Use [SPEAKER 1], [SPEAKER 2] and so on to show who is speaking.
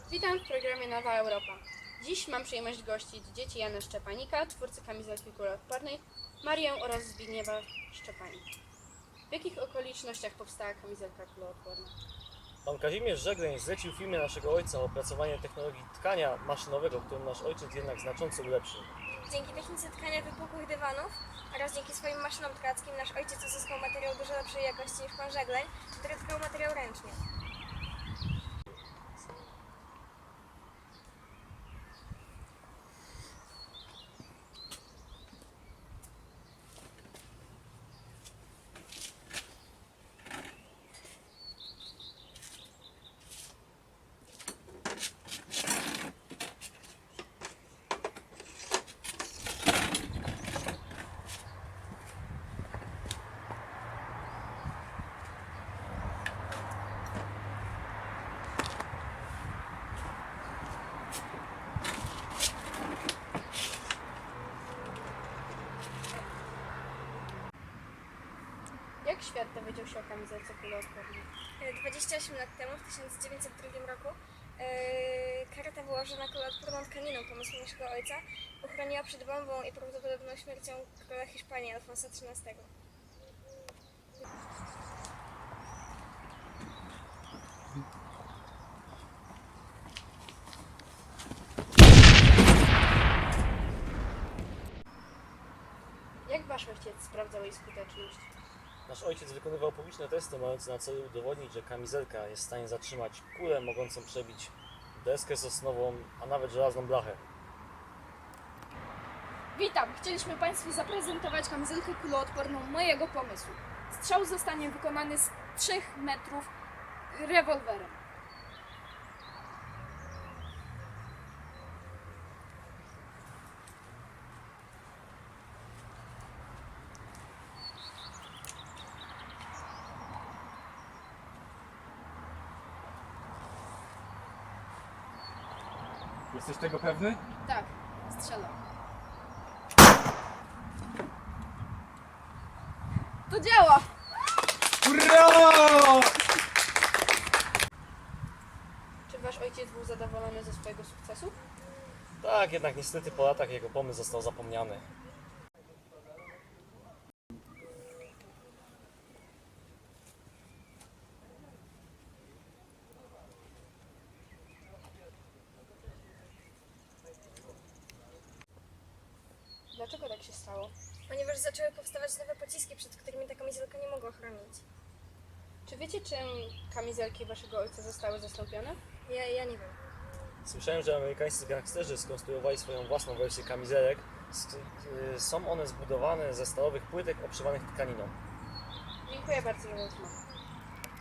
[SPEAKER 1] Witam w programie Nowa Europa. Dziś mam przyjemność gościć dzieci Jana Szczepanika, twórcy kamizelki kuloodpornej, Marię oraz Zbigniewa Szczepanik. W jakich okolicznościach powstała kamizelka kuloodporna?
[SPEAKER 2] Pan Kazimierz Żegleń zlecił firmie naszego ojca opracowanie technologii tkania maszynowego, którą nasz ojciec jednak znacząco ulepszył.
[SPEAKER 3] Dzięki technice tkania wypukłych dywanów oraz dzięki swoim maszynom tkackim nasz ojciec uzyskał materiał dużo lepszej jakości niż pan Żegleń, który tkał materiał ręcznie.
[SPEAKER 1] Jak świat dowiedział się o kamizelce kuloodpornej?
[SPEAKER 3] 28 lat temu, w 1902 roku, kareta wyłożona kuloodporną tkaniną pomysłu naszego ojca uchroniła przed bombą i prawdopodobną śmiercią króla Hiszpanii Alfonsa XIII.
[SPEAKER 1] Jak wasz ojciec sprawdzał jej skuteczność?
[SPEAKER 2] Nasz ojciec wykonywał publiczne testy mające na celu udowodnić, że kamizelka jest w stanie zatrzymać kulę mogącą przebić deskę sosnową, a nawet żelazną blachę.
[SPEAKER 4] Witam! Chcieliśmy Państwu zaprezentować kamizelkę kuloodporną mojego pomysłu. Strzał zostanie wykonany z 3 metrów rewolwerem.
[SPEAKER 5] Jesteś tego pewny?
[SPEAKER 4] Tak, strzelam. To działa!
[SPEAKER 5] Hurra!
[SPEAKER 1] Czy wasz ojciec był zadowolony ze swojego sukcesu?
[SPEAKER 2] Tak, jednak niestety po latach jego pomysł został zapomniany.
[SPEAKER 1] Dlaczego tak się stało?
[SPEAKER 3] Ponieważ zaczęły powstawać nowe pociski, przed którymi ta kamizelka nie mogła chronić.
[SPEAKER 1] Czy wiecie, czym kamizelki waszego ojca zostały zastąpione?
[SPEAKER 3] Ja nie wiem.
[SPEAKER 2] Słyszałem, że amerykańscy gangsterzy skonstruowali swoją własną wersję kamizelek. Są one zbudowane ze stalowych płytek obszywanych tkaniną.
[SPEAKER 1] Dziękuję bardzo za rozmowę.